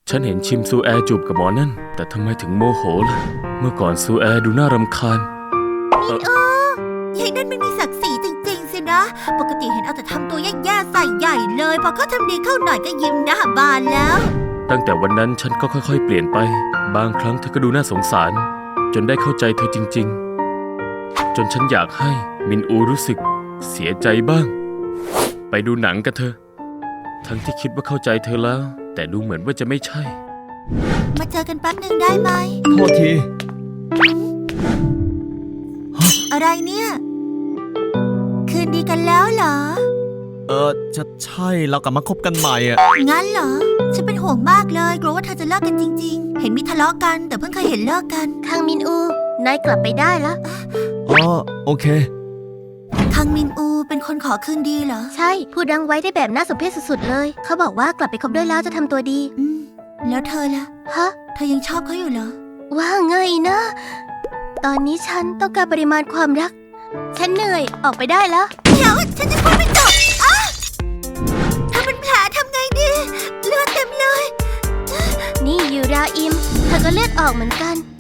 ฉันเห็นชิมซูแอจูบกับหมอนั่นแต่ทำไมถึงโมโหล่ะเมื่อก่อนซูแอดูน่ารำคาญยายนั่นไม่มีศักดิ์ศรีจริงๆสินะปกติเห็นเอาแต่ทำตัวแย่ๆใส่ใหญ่เลยพอเขาทำดีเข้าหน่อยก็ยิ้มหน้าบานแล้วตั้งแต่วันนั้นฉันก็ค่อยๆเปลี่ยนไปบางครั้งเธอก็ดูน่าสงสารจนได้เข้าใจเธอจริงๆจนฉันอยากให้มินอูรู้สึกเสียใจบ้างไปดูหนังกันเถอะทั้งที่คิดว่าเข้าใจเธอแล้วแต่ดูเหมือนว่าจะไม่ใช่มาเจอกันแป๊บหนึ่งได้ไหมโทษทีอะไรเนี่ยคืนดีกันแล้วเหรอใช่เรากลับมาคบกันใหม่อ่ะงั้นเหรอฉันเป็นห่วงมากเลยกลัวว่าเธอจะเลิกกันจริงๆเห็นมีทะเลาะกันแต่เพิ่งเคยเห็นเลิกกันคังมินอูนายกลับไปได้แล้วโอเคคังมินอูเป็นคนขอคืนดีเหรอใช่พูดดังไว้ได้แบบน่าสมเพชสุดๆเลยเขาบอกว่ากลับไปคบด้วยแล้วจะทำตัวดีแล้วเธอล่ะฮะเธอยังชอบเขาอยู่เหรอว่าไงนะตอนนี้ฉันต้องการปริมาณความรักฉันเหนื่อยออกไปได้แล้วเดี๋ยวฉันจะพูดไม่จบเธอเป็นแผลทำไงดีเลือดเต็มเลยนี่ยูราอิมเธอก็เลือดออกเหมือนกัน